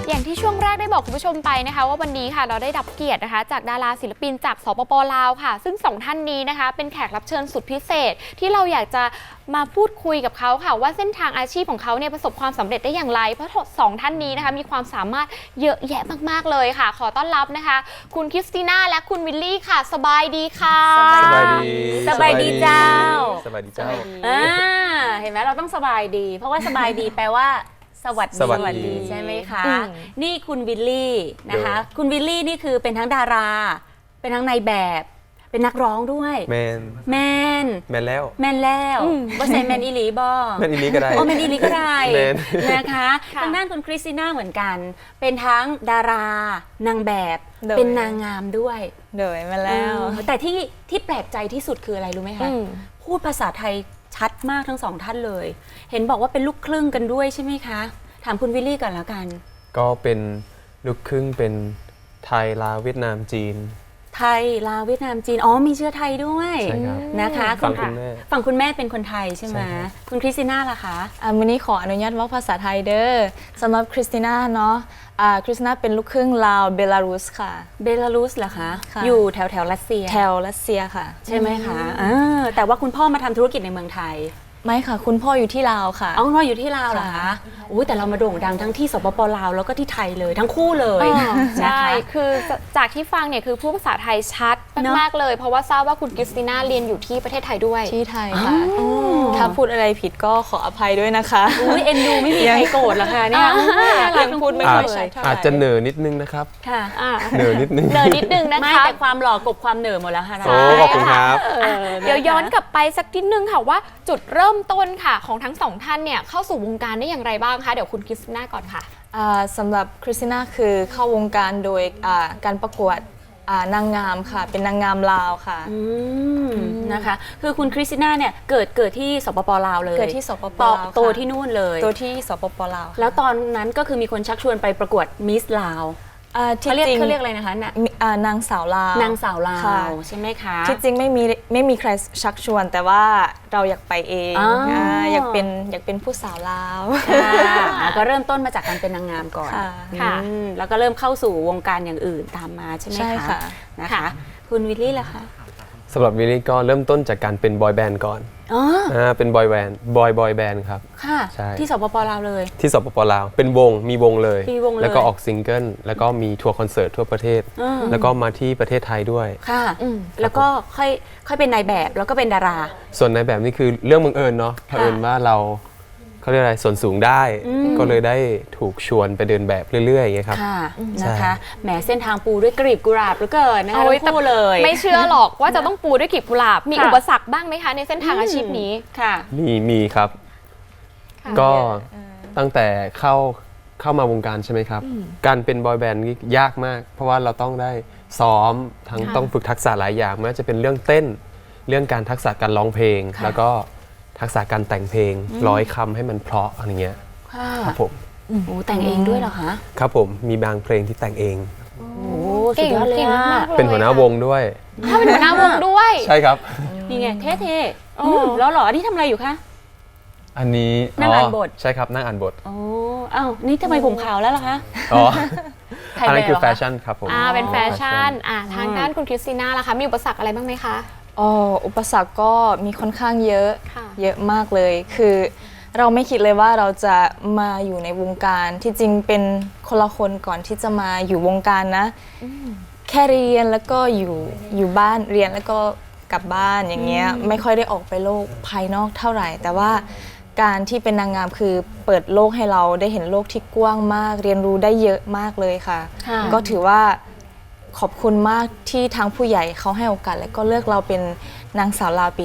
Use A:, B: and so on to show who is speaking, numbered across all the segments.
A: อย่างที่ช่วงแรกได้บอกคุณผู้ชมไปนะคะว่าวันนี้ค่ะเราได้รับเกียรตินะคะจากดาราศิลปินจากสปป.ลาวค่ะซึ่งสองท่านนี้นะคะเป็นแขกรับเชิญสุดพิเศษที่เราอยากจะมาพูดคุยกับเขาค่ะว่าเส้นทางอาชีพของเขาเนี่ยประสบความสำเร็จได้อย่างไรเพราะสองท่านนี้นะคะมีความสามารถเยอะแยะมากๆเลยค่ะขอต้อนรับนะคะคุณคริสติน่าและคุณวิลลี่ค่ะสบายดีค่ะ
B: สบายดี
C: สบายดีเจ้า
B: สบายดีเจ้า
C: เห็นไหมเราต้องสบายดี เพราะว่าสบายดีแปลว่าสวัส
B: สวัสดี
C: ใช่ไหมคะ
A: อืม
C: นี่คุณวิลลี่นะคะ คุณวิลลี่นี่คือเป็นทั้งดารา เป็นทั้งนายแบบ เป็นนักร้องด้วย
B: แมน
C: แมน
B: แมนแล้ว
C: แมนแล้วว่าใส่แมนอีหลีบอ
B: แมนอีนี้ก็ได้
C: โอ้แมนอีหลีก็ได้
B: แมน
C: นะคะ
A: ค่ะ
C: ทางด้านคุณคริสติน่าเหมือนกัน เป็นทั้งดารานางแบบ
D: โดย
C: เป็นนางงามด้วย
D: เดยมาแล้ว
C: แต่ที่แปลกใจที่สุดคืออะไรรู้ไหมคะ พูดภาษาไทยชัดมากทั้งสองท่านเลย เห็นบอกว่าเป็นลูกครึ่งกันด้วยใช่ไหมคะ ถามคุณวิลลี่ก่อนแล้วกัน
B: ก็เป็นลูกครึ่งเป็นไทยลาวเวียดนามจีน
C: ไทยลาวเวียดนามจีน อ๋อมีเชื้อไทยด้วย
B: ใช่ครับ
C: นะคะ
B: ฝั่งคุณแม่
C: ฝั่งคุณแม่เป็นคนไทยใช่ไหม
B: ใช่ครับ
C: คุณคริสติน่าล่ะคะ
D: วันนี้ขออนุญาตว่าภาษาไทยเด้อสำหรับคริสติน่าเนาะคริสติน่าเป็นลูกครึ่งลาวเบลารุสค่ะ
C: เบลารุสเหรอคะ
D: ค่ะ
C: อยู่แถวรัสเซีย
D: แถวรัสเซียค่ะ
C: ใช่ไหมคะแต่ว่าคุณพ่อมาทำธุรกิจในเมืองไทย
D: ไม่ค่ะ คุณพ่ออยู่ที่ลาวค่ะ
C: เอาคุณพ่ออยู่ที่ลาวเหรอคะ
D: ค่ะ
C: อุ้ยแต่เรามาโด่งดังทั้งที่สปปลาวแล้วก็ที่ไทยเลยทั้งคู่เลย
A: ใช่
C: นะคะ
A: คือจากที่ฟังเนี่ยคือพูดภาษาไทยชัด
C: เนอะ
A: มากๆเลย เพราะว่าทราบว่าคุณคริสติน่าเรียนอยู่ที่ประเทศไทยด้วย
D: ที่ไทยค่ะ ถ้าพูดอะไรผิดก็ขออภัยด้วยนะคะ
C: อุ้ยเอ็นดูไม่มีใครโกรธเหรอคะเนี่ย
D: ยังพูดไม่
B: อา
D: ค่
B: จ
D: อยชัดเท่าไหร่
B: อาจจะเหน่อนิดนึงนะครับ
C: ค่ะ
B: เหน่อนิดนึง
A: เดินนิดนึงนะ
C: ไม่
A: คะ
C: แต่ความหล่อกบความเหน่อหมดแล้วค่ะ
B: โอ้ขอบคุณครับ
A: เดี๋ยวย้อนกลับไปสักนิดนึงค่ะว่าจุดเริ่มต้นค่ะของทั้งสองท่านเนี่ยเข้าสู่วงการได้อย่างไรบ้างคะเดี๋ยวคุณคริสติน่าก่อนค่ะ
D: สำหรับคริสติน่าคือเข้าวงการโดยการประกวดนางงามค่ะ เป็นนางงามลาวค่ะ
C: นะคะ คือคุณคริสติน่าเนี่ยเกิดที่สปปลาวเลย
D: เกิดที่สปป
C: โต
D: ลาวค่ะ
C: โตที่นู่นเลย
D: ตัวที่สปปลาวค่ะ
C: แล้วตอนนั้นก็คือมีคนชักชวนไปประกวดมิสลาว
D: ที่
C: เขาเรียก
D: จริง
C: เขาเรียกอะไรนะคะน่ะ
D: นางสาวลาว
C: นางสาวลา
D: ค่ะ
C: วใช่ไหมคะ
D: ที่จริงไม่มีใครชักชวน แต่ว่าเราอยากไปเอง
C: อ๋ออ่
D: อยากเป็นผู้สาวลาว
C: ค่ะก็เริ่มต้นมาจากการเป็นนางงามก่อน
D: ค่ะ
A: ค่ะ
C: แล้วก็เริ่มเข้าสู่วงการอย่างอื่นตามมาใช่ไหม
D: ใช่
C: คะ
D: ค่ะ
C: นะคะ คุณวิลลี่ล่ะคะ
B: สำหรับวิลลี่ก็เริ่มต้นจากการเป็นบอยแบนด์ก่อน
C: อ๋อ
B: เป็นบอยแบนด์บอยแบนด์ครับ
C: ค่ะ
B: ใช่
C: ที่สปปลาวเลย
B: ที่สปปลาวเป็นมีวงเลย
C: มีวงเลย
B: แล้วก็ออกซิงเกิลแล้วก็มีทัวร์คอนเสิร์ตทั่วประเทศ แล้วก็มาที่ประเทศไทยด้วย
C: ค่ะแล้วก็ค่อยเป็นนายแบบแล้วก็เป็นดารา
B: ส่วนในแบบนี้คือเรื่องบังเอิญเนาะเผอิญว่าเขาเรียกอะไรส่วนสูงได้ ก็เลยได้ถูกชวนไปเดินแบบเรื่อยๆอย่างเงี้ยครับ
C: ค่ะ
B: ใช่
C: นะคะแหมเส้นทางปูด้วยกลีบกุหลาบเหลือเกินนะคะ
A: โอ้ย
C: ทั้งคู่เลย
A: ไม่เชื่อหรอกว่าจะต้องปูด้วยกลีบกุหลาบมี
C: ค่ะ
A: อุปสรรคบ้างไหมคะในเส้นทางอาชีพนี้
C: ค่ะ
B: มีครับ ก็ตั้งแต่เข้ามาวงการใช่ไหมครับ การเป็นบอยแบนด์นี่ยากมาก เพราะว่าเราต้องได้ซ้อมทั้งต้องฝึกทักษะหลายอย่างไม่ว่าจะเป็นเรื่องเต้น เรื่องการทักษะการร้องเพลง
C: ค่ะ
B: แล้วก็ทักษะการแต่งเพลงร้อยคำให้มันเพราะอะไรเงี้ย
C: ค่ะ
B: ครับผม
C: โอ้แต่งเองด้วยเหรอคะ
B: ครับผมมีบางเพลงที่แต่งเอง
C: โอ้
A: เก่ง
C: สุดยอดเลย
A: เก่ง
C: อะ
A: มากๆเลย
B: เป็นหัวหน้าวงด้วย
A: ถ้าเป็นหัวหน้าวงด้วย
B: ใช่ครับ
C: นี่ไงเท่ๆแล้วเหรออันนี้ทำอะไรอยู่คะ
B: อันนี้
C: นั่งอ่านบท
B: ใช่ครับนั่งอ่านบท
C: โอ้อ้าวนี่ทำไมผมขาวแล้วล่ะคะ
B: อ๋อ
C: ถ่าย
B: อันนั้นคือ
C: แบบเหรอคะ
B: แฟชั่นครับผม
A: เป็นแฟชั่นทางด้านคุณคริสติน่าล่ะคะมีอุปสรรคอะไรบ้างไหมคะ
D: อุปสรรคก็มีค่อนข้างเยอะ
A: ค่ะ
D: เยอะมากเลย คือเราไม่คิดเลยว่าเราจะมาอยู่ในวงการที่จริงเป็นคนละคนก่อนที่จะมาอยู่วงการนะ แค่เรียนแล้วก็อยู่บ้านเรียนแล้วก็กลับบ้านอย่างเงี้ยไม่ค่อยได้ออกไปโลกภายนอกเท่าไหร่ แต่ว่าการที่เป็นนางงามคือเปิดโลกให้เราได้เห็นโลกที่กว้างมาก เรียนรู้ได้เยอะมากเลยค่ะ
C: ค่ะ
D: ก็ถือว่าขอบคุณมากที่ทางผู้ใหญ่เขาให้โอกาสและก็เลือกเราเป็นนางสาวลาวปี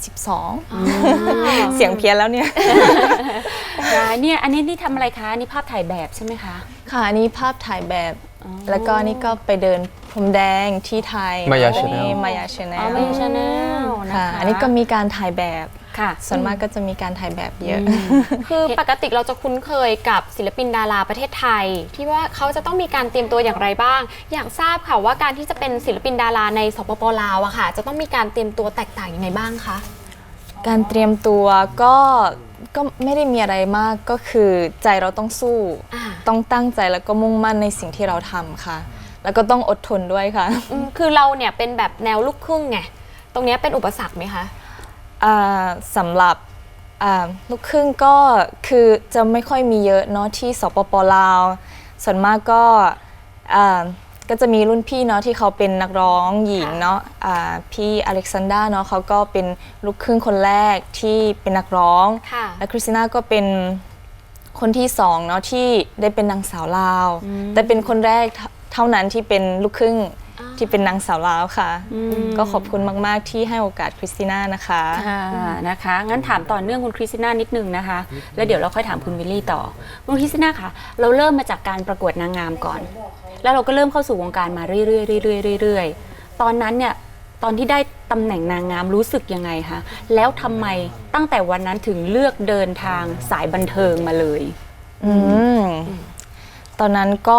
D: 2012 เสียงเพี้ยนแล้วเนี่ย
C: เนี่ยอันนี้นี่ทำอะไรคะอันนี่ภาพถ่ายแบบใช่ไหมคะ
D: ค่ะอันนี้ภาพถ่ายแบบ แล้วก็นี่ก็ไปเดินพรมแดงที่ไทย
B: Maya
D: แล้วก็นี่
B: Channel
D: Maya Channel
C: อ๋อไม่ใช่ชาแนลนะ
D: ค่ะ
C: คะ
D: อันนี้ก็มีการถ่ายแบบ
C: ค่ะ
D: ส่วนมากก็จะมีการถ่ายแบบเยอะ
A: คือปกติเราจะคุ้นเคยกับศิลปินดาราประเทศไทย ที่ว่าเขาจะต้องมีการเตรียมตัวอย่างไรบ้าง อยากทราบค่ะว่าการที่จะเป็นศิลปินดาราในสปปลาวอะค่ะ จะต้องมีการเตรียมตัวแตกต่างยังไงบ้างคะ
D: การเตรียมตัวก็ก็ไม่ได้มีอะไรมากก็คือใจเราต้องสู้ ต้องตั้งใจแล้วก็มุ่งมั่นในสิ่งที่เราทำค่ะ แล้วก็ต้องอดทนด้วยค่ะ
A: คือเราเนี่ยเป็นแบบแนวลูกครึ่งไงตรงเนี้ยเป็นอุปสรรคไหมคะ
D: สำหรับลูกครึ่งก็คือจะไม่ค่อยมีเยอะเนาะที่สปป.ลาวส่วนมากก็จะมีรุ่นพี่เนาะที่เขาเป็นนักร้องหญิงเนาะพี่อเล็กซานดราเนาะเขาก็เป็นลูกครึ่งคนแรกที่เป็นนักร้อง
A: ค่ะ
D: และคริสติน่าก็เป็นคนที่สองเนาะที่ได้เป็นนางสาวลาวแต่เป็นคนแรกเท่านั้นที่เป็นลูกครึ่งที่เป็นนางสาวลาวค่ะ ก็ขอบคุณมากๆที่ให้โอกาสคริสติน่านะคะ
C: นะคะ งั้นถามต่อเนื่องคุณคริสติน่านิดนึงนะคะ แล้วเดี๋ยวเราค่อยถามคุณวิลลี่ต่อ คุณคริสติน่าคะเราเริ่มมาจากการประกวดนางงามก่อน แล้วเราก็เริ่มเข้าสู่วงการมาเรื่อยๆเรื่อยๆตอนนั้นเนี่ย ตอนที่ได้ตำแหน่งนางงามรู้สึกยังไงคะ แล้วทำไมตั้งแต่วันนั้นถึงเลือกเดินทางสายบันเทิงมาเลย
D: ตอนนั้นก็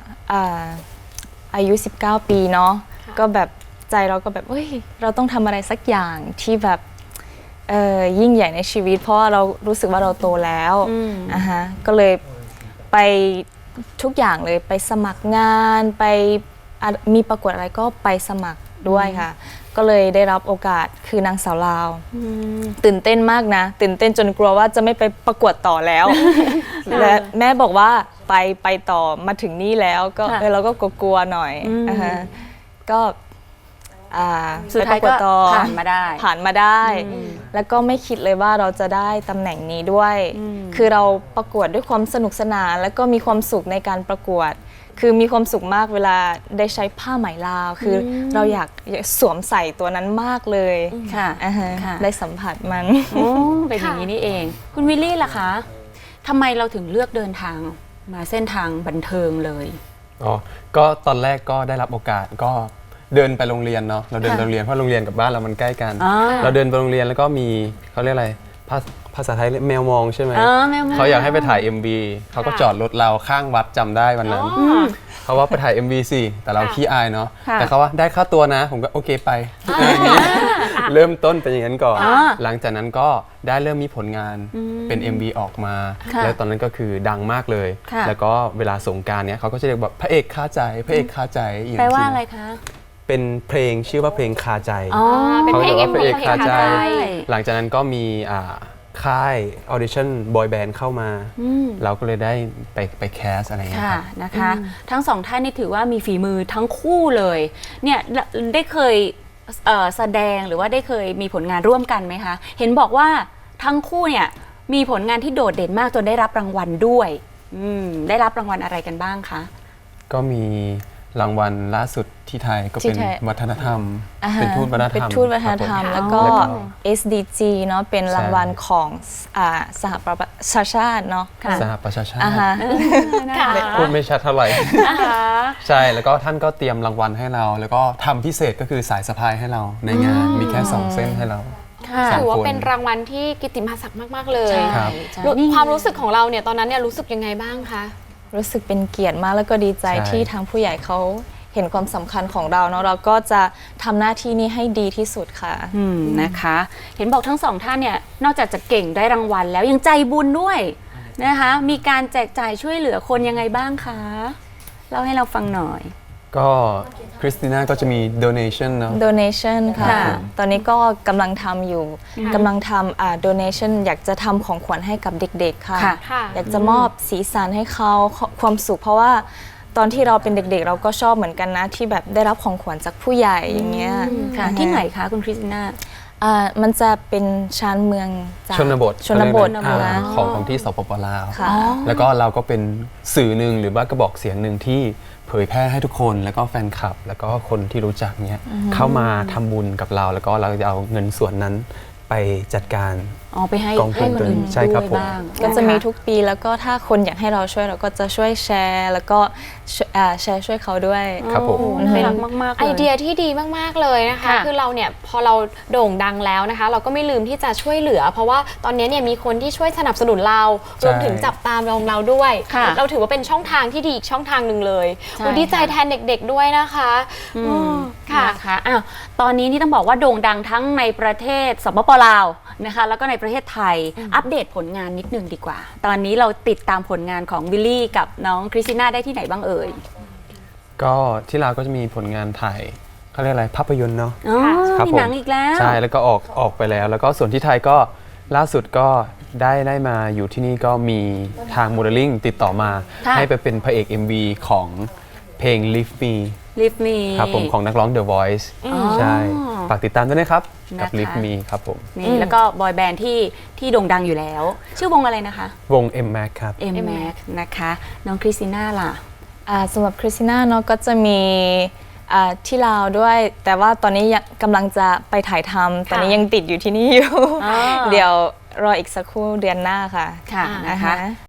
D: อายุ19 ปีเนาะก็แบบใจเราก็แบบเฮ้ยเราต้องทำอะไรสักอย่างที่แบบยิ่งใหญ่ในชีวิต เพราะว่าเรารู้สึกว่าเราโตแล้วก็เลยไปทุกอย่างเลยไปสมัครงานไปมีประกวดอะไรก็ไปสมัครด้วยค่ะ ก็เลยได้รับโอกาสคือนางสาวลาวตื่นเต้นมากนะตื่นเต้นจนกลัวว่าจะไม่ไปประกวดต่อแล้ว และแม่บอกว่าไปต่อมาถึงนี่แล้วก็เราก็กลัวๆหน่อยก็
C: สุดท้ายก็ผ่านมาได้
D: แล้วก็ไม่คิดเลยว่าเราจะได้ตำแหน่งนี้ด้วย คือเราประกวดด้วยความสนุกสนานแล้วก็มีความสุขในการประกวด คือมีความสุขมากเวลาได้ใช้ผ้าไหมลาวคือเราอยากสวมใส่ตัวนั้นมากเลย
C: ค่ะ
D: ได้สัมผัสมัน
C: เป็นอย่างนี้นี่เองคุณวิลลี่ล่ะคะทำไมเราถึงเลือกเดินทางมาเส้นทางบันเทิงเลย
B: ก็ตอนแรกก็ได้รับโอกาสก็เดินไปโรงเรียนเนาะเราเดินไปโรงเรียนเพราะโรงเรียนกับบ้านเรามันใกล้กันเราเดินไปโรงเรียนแล้วก็มีเขาเรียกอะไรภาษาไทยแมวมองใช่ไหมเขาอยากให้ไปถ่าย MV เขาก็จอดรถเราข้างวัดจำได้วันนั้นเขาว่าไปถ่าย MV สิแต่เราขี้อายเนาะแต่เขาว่าได้ค่าตัวนะผมก็โอเคไปเริ่มต้นเป็นอย่างนั้นก่อนหลังจากนั้นก็ได้เริ่มมีผลงานเป็น MV ออกมาแล้วตอนนั้นก็คือดังมากเลยแล้วก็เวลาสงกรานต์เนี้ยเขาก็จะเรียกแบบพระเอกคาใจพระเอกคาใจ
C: แปลว่าอะไรคะ
B: เป็นเพลงชื่อว่าเพลงคาใจ
A: เป็นเพลง MV
B: พระเอกคาใจหลังจากนั้นก็มีค่ายออดิชั่นบอยแบนด์เข้ามาเราก็เลยได้ไปแคสอะไรอย่างเงี้ย
C: นะคะทั้งสองท่านนี่ถือว่ามีฝีมือทั้งคู่เลยเนี่ยได้เคยแสดงหรือว่าได้เคยมีผลงานร่วมกันไหมคะเห็นบอกว่าทั้งคู่เนี่ยมีผลงานที่โดดเด่นมากจนได้รับรางวัลด้วยได้รับรางวัลอะไรกันบ้างคะ
B: ก็มีรางวัลล่าสุดที่ไทยก็เป็นวัฒนธรรมเป็นทูตวัฒนธรรม
D: เป็นทูตวัฒนธรรมแล้วก็ SDG เนาะเป็นรางวัลของสหประชาชาติเนาะ
B: สหประชาชาติพูดไม่ชัดเท่าไหร่ใช่แล้วก็ท่านก็เตรียมรางวัลให้เราแล้วก็ทำพิเศษก็คือสายสะพายให้เราในงานมีแค่2 เส้นให้เรา
A: ถือว่าเป็นรางวัลที่กิตติมศักดิ์มากๆเลยความรู้สึกของเราเนี่ยตอนนั้นเนี่ยรู้สึกยังไงบ้างคะ
D: รู้สึกเป็นเกียรติมากแล้วก็ดีใจที่ทางผู้ใหญ่เขาเห็นความสำคัญของเราเนาะเราก็จะทำหน้าที่นี้ให้ดีที่สุดค่ะ
C: นะคะเห็นบอกทั้งสองท่านเนี่ยนอกจากจะเก่งได้รางวัลแล้วยังใจบุญด้วยนะคะมีการแจกจ่ายช่วยเหลือคนยังไงบ้างคะเล่าให้เราฟังหน่อย
B: ก็คริสติน่าก็จะมี donation เนาะ
D: donation ค่ะตอนนี้ก็กำลังทำอยู่กำลังทำdonation อยากจะทำของขวัญให้กับเด็กๆค่ะอยากจะมอบสีสันให้เขาความสุขเพราะว่าตอนที่เราเป็นเด็กๆเราก็ชอบเหมือนกันนะที่แบบได้รับของขวัญจากผู้ใหญ่อย่างเงี้ย
C: ที่ไหนคะคุณคริสติน่า
D: มันจะเป็นชานเมือง
B: ชนบท
D: นะ
B: ของที่สปป.ลาวแล้วก็เราก็เป็นสื่อหนึ่งหรือว่ากระบอกเสียงหนึ่งที่เผยแพร่ให้ทุกคนแล้วก็แฟนคลับแล้วก็คนที่รู้จักเนี้ยเข้ามาทำบุญกับเราแล้วก็เราจะเอาเงินส่วนนั้นไปจัดการ
C: ไปให้
B: กองทุนตัวใช่ครับผม
D: ก็จะมีทุกปีแล้วก็ถ้าคนอยากให้เราช่วยเราก็จะช่วยแชร์แล้วก็แชร์ช่วยเขาด้วย
B: ครับผม
C: น่ารักมากๆ
A: ไอเดียที่ดีมากๆเลยนะคะคือเราเนี่ยพอเราโด่งดังแล้วนะคะเราก็ไม่ลืมที่จะช่วยเหลือเพราะว่าตอนนี้เนี่ยมีคนที่ช่วยสนับสนุนเรารวมถึงจับตามเราด้วยเราถือว่าเป็นช่องทางที่ดีอีกช่องทางหนึ่งเลยดีใจแทนเด็กๆด้วยนะคะ
C: ค่ะตอนนี้นี่ต้องบอกว่าโด่งดังทั้งในประเทศสปป.ลาวนะคะแล้วก็ในประเทศไทย อัปเดตผลงานนิดนึงดีกว่า ตอนนี้เราติดตามผลงานของวิลลี่กับน้องคริสติน่าได้ที่ไหนบ้างเอ่ย
B: ก็ที่ลาวก็จะมีผลงานถ่ายเขาเรียกอะไรภาพยนตร์เนาะ
C: อ๋อ
B: ครับ
C: มี
B: ผม
C: หนังอีกแล้ว
B: ใช่แล้วก็ออกไปแล้ว แล้วก็ส่วนที่ไทยก็ล่าสุดก็ได้มาอยู่ที่นี่ก็มีทางโมเดลลิ่งติดต่อมา
C: ค่ะ
B: ให้ไปเป็นพระเอก MV ของเพลง Lift Me
C: Live Me
B: ครับผมของนักร้อง The Voice ใช่ ฝากติดตามด้วยนะครับกับ
C: นะคะ
B: Lift Me ครับผม
C: นี่แล้วก็บอยแบนด์ที่โด่งดังอยู่แล้ว ชื่อวงอะไรนะคะ
B: วง M Mac ครับ
C: M Mac นะคะน้องคริสติน่าล่ะ
D: สำหรับคริสติน่าเนาะก็จะมีที่ลาวด้วย แต่ว่าตอนนี้ยังกำลังจะไปถ่ายทำตอนนี้ยังติดอยู่ที่นี่อยู่
C: อ่า
D: เดี๋ยวรออีกสักครู่เดือนหน้าค่ะ
C: ค่ะนะคะ